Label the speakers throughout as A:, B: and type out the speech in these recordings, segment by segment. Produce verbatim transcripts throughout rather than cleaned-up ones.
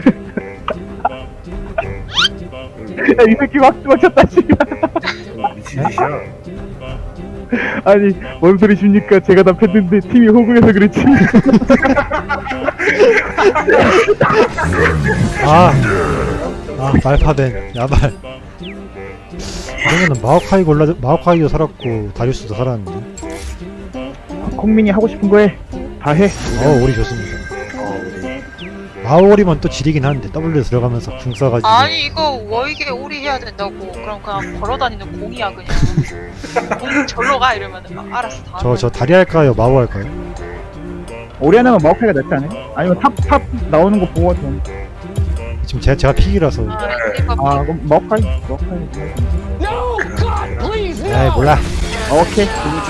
A: 야, 이 새끼 막 맞췄다, 씨발.
B: 미친 짓이야.
A: 아니, 뭔 소리십니까? 제가 다 팼는데 팀이 호구해서 그렇지.
C: 아, 아 말파된 야발. 그러면은 마오카이 골라 마오카이도 살았고 다리우스도 살았는데.
A: 콩민이 하고 싶은 거 해. 다 해.
C: 어 오리 좋습니다. 마오리면 또 지리긴 한데 W 들어가면서 궁 써가지고.
D: 아니 이거 워익에 오리 해야 된다고. 그럼 그냥 걸어다니는 공이야 그냥. 공 절로 가 이러면은 막 알았어 다.
C: 저 저 다리 할까요? 마오 할까요?
A: 오리 하나면 마우카이가 낫지 않아요? 아니면 탑, 탑 나오는 거 보고 좀.
C: 지금 제가 제가 픽이라서.
D: 아, 이거
A: 아, 그럼 마우카이? 마우카이.
C: 에이 몰라.
A: 아, 오케이.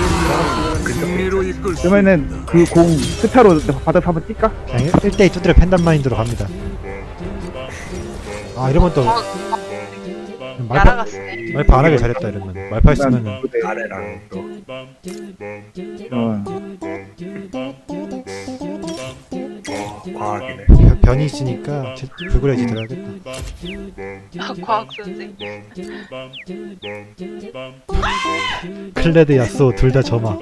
A: 그러면은 그 공 스타로 바닥 한번 뛸까?
C: 그냥 일 대이 두드려 팬단 마인드로 갑니다. 아 이러면 또
D: 어,
C: 말파
D: 날아갔네.
C: 말파 안 하길 잘했다 이러면 말파 했으면은
B: 아래랑 또.
A: 어.
B: 어, 과학이네.
C: 변- 변이 있으니까 제- 불그레지 들어야겠다.
D: 아, 과학 선생.
C: 클레드 야쏘 둘 다 점화.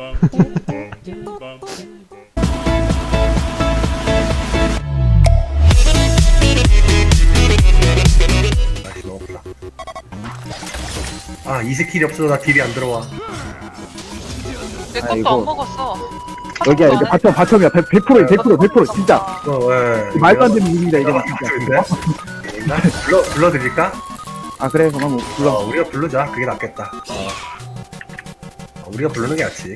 B: 다시 넣어보자. 아, 이 스킬이 없어서 나 딜이 안 들어와.
D: 내 것도
A: 아이고.
D: 안 먹었어.
A: 여기야, 여기 바텀, 바텀이야. 백 퍼센트, 백 퍼센트, 백 퍼센트, 진짜.
B: 어, 왜?
A: 말도 안 되는 일입니다, 이제
B: 어,
A: 진짜.
B: 있나? 불러, 불러드릴까?
A: 아, 그래, 그럼 뭐, 불러.
B: 어, 우리가 부르자. 그게 낫겠다. 어. 어, 우리가 부르는 게 낫지.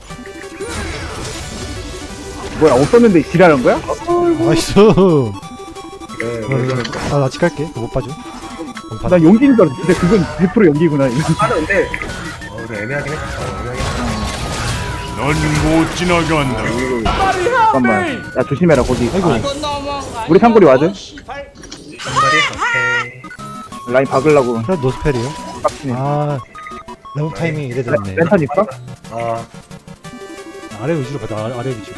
A: 뭐야, 없었는데 지랄한 거야?
C: 나이스.
B: 그래, 우리가
C: 아, 나 직할게. 못 봐줘. 못 봐.
A: 나 연기인 줄 알았어. 근데 그건 백 퍼센트 연기구나. 이거.
B: 하는데, 어, 그래, 애매하긴 했어. 어, 애매하긴 했어.
E: 넌 못 지나간다.
A: 잠깐만. 야, 조심해라, 거기.
C: 아이고.
A: 아, 우리 상골이 와드?
B: 한마리? 오케이.
A: 라인 박으려고.
C: 그래 노스펠이요.
A: 빡치네.
C: 아 너무 타이밍 이래 됐네.
A: 랜턴 있어?
B: 아,
C: 아래 위주로 가자. 아래, 아래 위주로.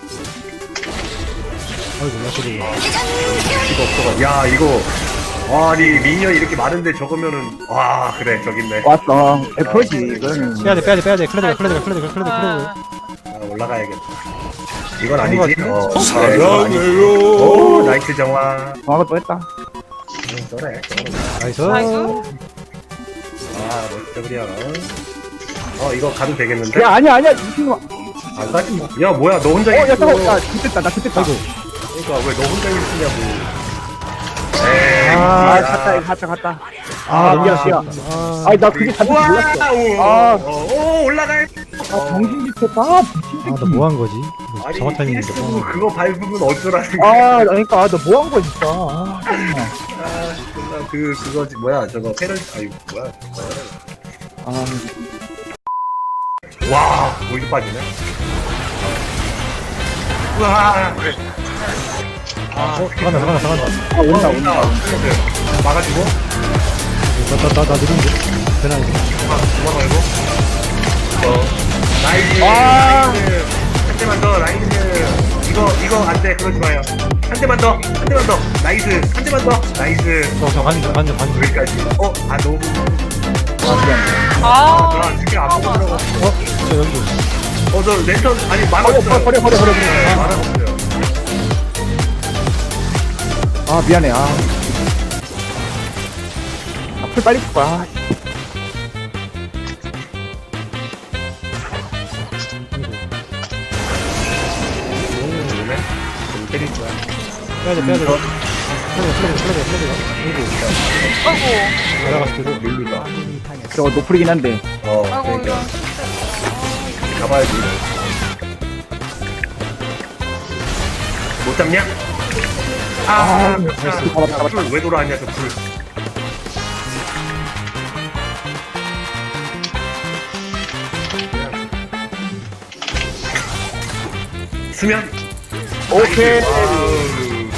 C: 아이고 야쏘도.
B: 이거 없어가. 야, 이거. 와, 아니, 미니언이 이렇게 많은데 적으면은, 와, 그래, 저기 있네.
A: 왔어. 백 퍼센트지, 이거는.
C: 빼야돼 빼야돼 빼야돼. 클레드가 클레드가 클레드가 클레드 클레드.
D: 아,
B: 아, 올라가야겠다. 이건 아니지?
C: 같은데?
B: 어, 그래, 이건 아니지. 오, 나이스 정화.
A: 정화가 또 했다.
B: 음, 저래.
C: 나이스.
D: 나이스.
B: 아, 멋져, 그려. 어, 이거 가도 되겠는데?
A: 야, 아니야, 아니야. 이 친구.
B: 안 가지. 야, 뭐야, 너 혼자
A: 어, 야,
B: 있어.
A: 잠깐만. 나 죽겠다, 나 죽겠다.
B: 그러니까, 왜 너 혼자 있으냐고. 에이,
A: 아,
B: 야.
A: 갔다, 이거 갔다, 갔다.
C: 아
A: 아,
C: 너무
A: 미안,
C: 아쉽다.
A: 미안.
C: 아,
A: 아니, 나 그게 간줄
B: 우와,
A: 몰랐어.
B: 오,
A: 아.
B: 어, 오, 올라가.
A: 아, 정신짓했다. 아, 미친
C: 아, 나
A: 새끼.
C: 뭐 한 거지? 뭐
B: 아니,
C: 정확 타이밍인데.
B: 필수 그거 밟으면 어쩌라는 거야.
A: 아, 그러니까, 아, 너 뭐 한 거야, 진짜. 아, 정말.
B: 아, 정말 그, 그거지. 뭐야, 저거, 페럴, 아유, 뭐야, 저거.
A: 아,
B: 와, 거기도 빠지네. 우와, 그래. 아,
C: 어, 들어간다, 들어간다, 들어간다.
A: 아, 온다, 온다.
B: 막아주고,
C: 나, 나, 나, 나 느린데? 되나, 이거?
B: 도망 말고. 어, 나이스.
A: 아.
B: 나이스. 한 대만 더, 나이스. 이거, 이거 안 돼, 그러지 마요. 한 대만 더, 한 대만 더, 나이스. 한 대만 더, 나이스.
C: 저, 저, 관중, 관중, 관중.
B: 여기까지. 어, 아, 너무.
D: 아,
B: 아, 스킬 안 보고 들어가.
C: 어? 저 여기도.
B: 어, 저 랜턴, 아니, 만
A: 버려,
B: 없어요.
A: 버려, 버려, 버려, 버려.
B: 네, 만 없어요.
A: 아, 미안해, 아. 아, 풀 빨리 쓸 거야. 아,
B: 오네. 좀 때릴 거야.
C: 빼야돼, 빼야돼. 클레드, 클레드, 클레드, 클레드.
D: 아이고,
C: 아이고. 날아갔을 때도.
B: 밀리다.
A: 저거 노플이긴 한데.
B: 어,
D: 아이고
B: 그러니까.
D: 이거.
B: 잡아야지. 못 잡냐? 아,
A: 아,
B: 아,
A: 잡았다, 잡았다.
B: 불 왜 돌아왔냐, 저 불. 수면?
A: 오케이.
B: 아우.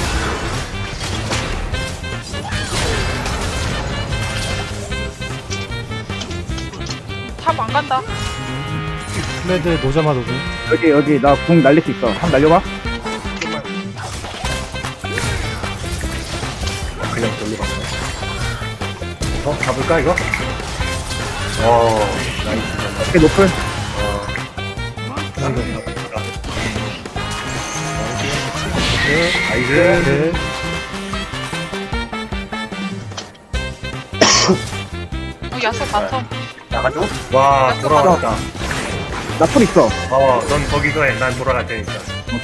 D: 탑 안 간다.
C: 클레드 노자마 노고.
A: 여기, 여기, 나 궁 날릴 수 있어. 한번 날려봐.
B: 그냥 돌로 갔네. 어, 가볼까, 이거? 어, 나이스.
A: 오케이 높은.
B: 어, 나이스.
C: 네.
D: 어, 야수 바텀.
B: 나가죠? 와, 돌아왔다.
A: 나풀 있어.
B: 어, 넌 거기서 해. 난 돌아갈 테니까.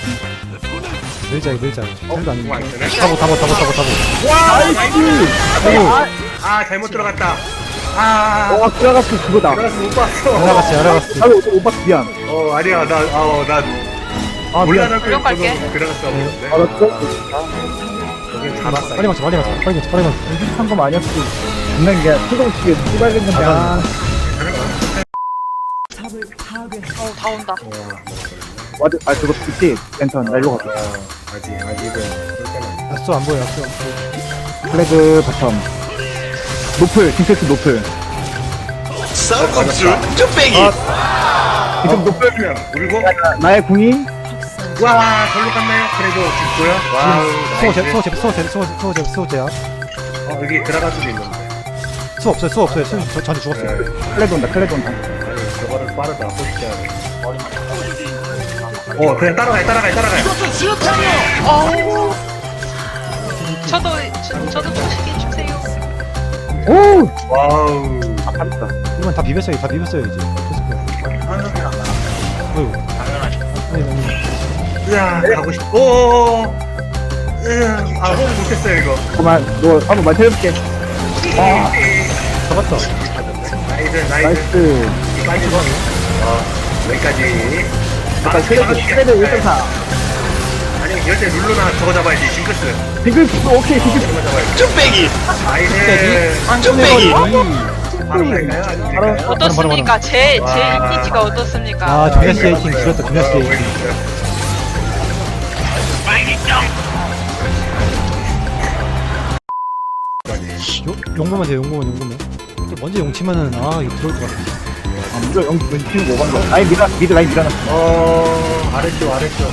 C: 밀자 밀자. 헬도 안
B: 공 안
C: 밀자.
B: 쓰네?
C: 타보 타보 타보 타보 타보.
B: 와, 나이스!
C: 타보.
B: 아, 잘못 들어갔다. 아,
A: 와 들어갔어 그거다.
B: 들어가서 못 봤어.
C: 알아갔지 알아갔지.
A: 나도 오빠 미안.
B: 어, 아니야. 나, 어, 나,
A: 아 미안.
B: 몰라.
D: 물론 갈게.
B: 들어갔어. 없는데.
A: 알았어?
B: 여기 잡았어.
C: 빨리 맞춰 빨리 맞춰 빨리 맞춰 빨리 맞춰.
A: 한 거만 아니었어. 장난 게 수동치게 찌발겠는데. 아,
D: 어, 다 온다.
A: 와드 아 그거 있지. 랜턴 날로 갔어.
B: 어, 아직, 아직은. 볼 때는.
C: 약수 안 보여 약수 안 보여.
A: 플래그 바텀. 노플 딩세트 노플.
B: 쌀국수 쭈빼기.
A: 지금 노플.
B: 그냥 울고.
A: 나의 궁이
B: 와, 절로 갔나요? 그래도 죽고요. 와우.
C: 수호제
B: 나이스.
C: 수호제 수호제 수호제 수호제 수호제야.
B: 어, 여기 들어갈 수도 있는데.
C: 수 없어요 수 없어요. 수 저- 저한테 죽었어요.
B: 네.
A: 클레드 온다 클레드 온다.
B: 아니, 저거는 빠르다. 포식자. 어, 그냥 따라가요, 따라가요, 따라가요.
D: 어우. 저도, 저, 저도 초식이 주세요.
A: 오.
B: 와우.
A: 아 잘했다.
C: 이건 다 비볐어요 다 비볐어요 이제. 됐을 거야. 어휴. 아니 아니.
B: 으아, 가고 싶, 오오오. 으아, 아, 호흡 못했어요, 이거.
A: 잠깐만 너 한번 맞춰볼게. 아.
C: 잡았다.
B: 나이스, 나이스.
A: 나이스.
B: 빠지고. 어, 여기까지.
A: 잠깐 클레드 클레드 일 점 사.
B: 아니, 이럴 때 룰루나 저거 잡아야지, 징크스.
A: 딩글 오케이 딩글.
B: 저거 잡아야지. 쭈빼기! 나이스.
C: 쭈빼기.
B: 바로 갈까요? 아니면
A: 바로-
B: 될까요?
D: 어떻습니까? 제, 제
B: 와.
D: 이미지가 어떻습니까?
C: 아 두냐 씨 에이팅 길었다 두냐 씨
B: 어,
C: 에이팅. 요- 용보만 돼요 용보만 용보만. 또 먼저 용치면은 아 이거 들어올 것 같아.
A: 아 무조 영 왼팀 오반 거. 아니 미라 미드 라인 밀어놨어.
B: 어, 아래쪽, 아래쪽.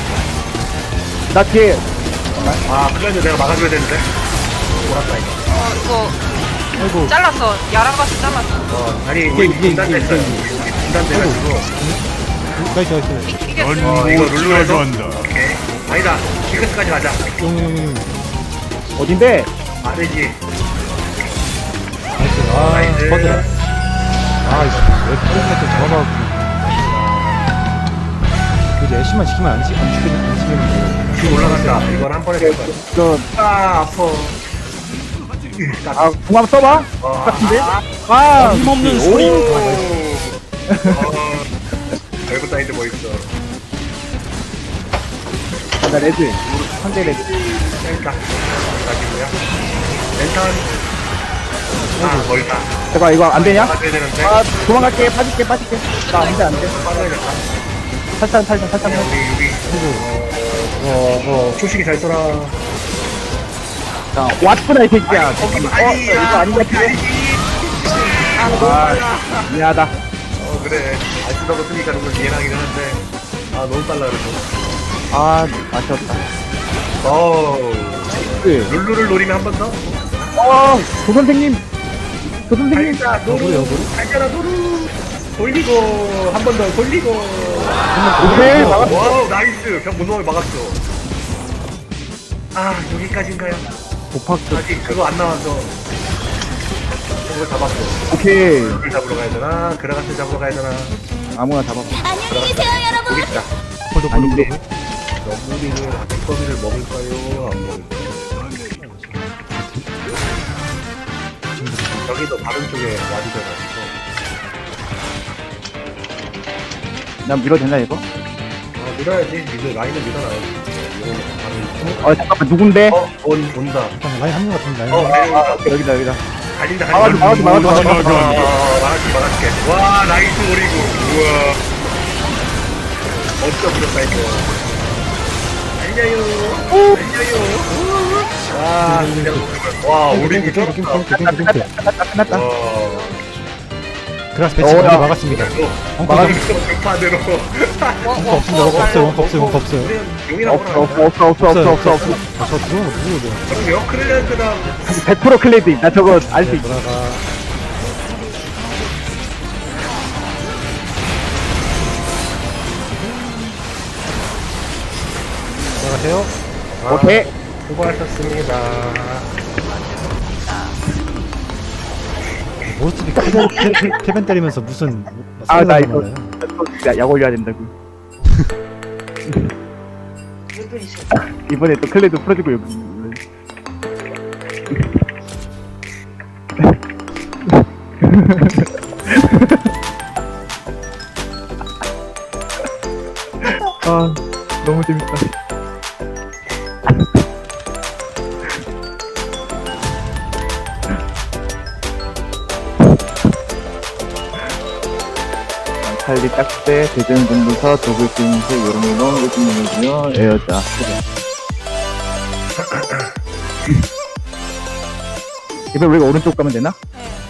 A: 나 뒤에
B: 아, 플랜드 내가 막아줘야 되는데. 돌았다, 이거.
D: 어, 이거
C: 아이고
D: 잘랐어. 야라가스 잘랐어.
B: 어, 아니,
C: 이게,
B: 우리
C: 이게,
B: 분단됐어요.
C: 이게,
B: 우리 분단돼가지고.
C: 나이스 나이스.
D: 이게
E: 넌
B: 어,
E: 못
B: 이거 룰루에서?
E: 지나간다.
B: 오케이. 아니다. 징크스까지 가자.
C: 용용용.
A: 어딘데?
B: 아래지.
C: 나이스. 아
B: 나이스.
C: 버드라. 아 이씨 왜 포인트 잡아가고. 그지 애쉬만 지키면 안 지, 안 죽겠, 안 죽겠는데.
B: 지금 올라간다. 이건 한 번에 될 거야.
A: 저
B: 아, 아파.
A: 아, 궁 한번 써봐.
B: 어,
A: 같은데?
B: 아,
A: 아,
C: 힘없는
A: 오.
C: 소리.
B: 어, 별거 따위도 뭐 있어.
A: 아, 나 레드. 상대 레드.
B: 땡다. 가지고요. 랜턴. 아, 멀다.
A: 잠깐 이거 안 되냐?
B: 막아줘야 되는데.
A: 아, 도망갈게. 빠질게, 빠질게. 나 안 돼, 안 돼.
B: 빠져야겠다.
A: 살짝, 살짝, 살짝.
B: 그냥 우리, 우리. 어, 어, 초식이 잘 쏘라.
A: 자, 왔구나, 이 새끼야.
B: 거기
A: 어,
B: 아니,
A: 이거 아닌 것 같아.
B: 아, 너무
A: 아,
B: 빨라.
A: 미안하다.
B: 어, 그래. 안 쓰다고 쓰니까 너무 미안하긴 하는데. 아, 너무 빨라, 그래서.
A: 아, 아쉬웠다.
B: 어우.
A: 그,
B: 룰루를 노리면 한 번 더?
A: 어, 조 선생님. 조 선생님.
B: 달자, 노루. 달자라, 노루. 돌리고, 한 번 더 돌리고.
A: 오케이, 막았어.
B: 와우, 나이스. 벽 못 넘어 막았어. 아, 여기까지인가요?
A: 고팍도.
B: 아직 그거 안 나와서. 그걸 잡았어.
A: 오케이.
B: 그걸 잡으러 가야 되나? 그라가스 잡으러 가야 되나?
A: 아무나 잡아.
B: 여기 있다.
C: 폴도 폴도
A: 아닌데.
C: 폴도.
B: 너무리를, 아티커비를 먹을까요? 안 먹을까요? 저기도 다른 쪽에 와주셔가지고.
A: 난 밀어도 되나, 이거?
B: 아, 밀어야지. 미드 라인을 밀어놔야지. 이거는 바로.
A: 어, 잠깐만, 누군데?
B: 어, 온, 온다.
C: 잠깐 라인 한명 같은데 라인.
B: 어, 라인 온다.
A: 여기다, 여기다.
B: 달린다,
A: 막아줘,
B: 달린다.
A: 막아줘, 막아줘, 막아줘.
B: 어, 막아줄게, 막아줄게. 와, 나이스 오리고. 우와. 어쩌 부렸다, 이거. 달려요. 달려요. 와, 진짜. 와, 오리고
C: 땡큐 땡큐
B: 쩔었다.
C: 땡큐 땡큐 땡큐.
A: 끝났다, 끝났다.
B: 와.
C: 그 그라스 배치
A: 어,
C: 우리
A: 야.
C: 막았습니다. 원컵
A: 막았-
B: 반대로.
C: 원컵 없습니다. 원컵 없어요. 원컵 없어요. 원컵 없어요.
B: 용이라고
A: 없어 없어 없어 없어 없어 없어 없어.
C: 아, 저 들어온 거 누구거든?
B: 그럼요. 크릴랜드랑
A: 백 퍼센트 클레드임. 나 저거 알 수 있어.
C: 돌아가. 돌아가세요.
A: 오케이.
B: 수고하셨습니다.
C: 모스트리 캐벤, 캐- 캐벤 때리면서 무슨
A: 아, 나 이거-
C: 나요?
A: 야, 약 올려야 된다고. 이번에 또 클레드 풀어주고 여기. 아, 너무 재밌다. 칼리 딱대, 대전 전도사, 독일 수행세, 요롱요롱, 요즘요롱이요, 에어자. 그래. 이번 우리가 오른쪽 가면 되나?
D: 네.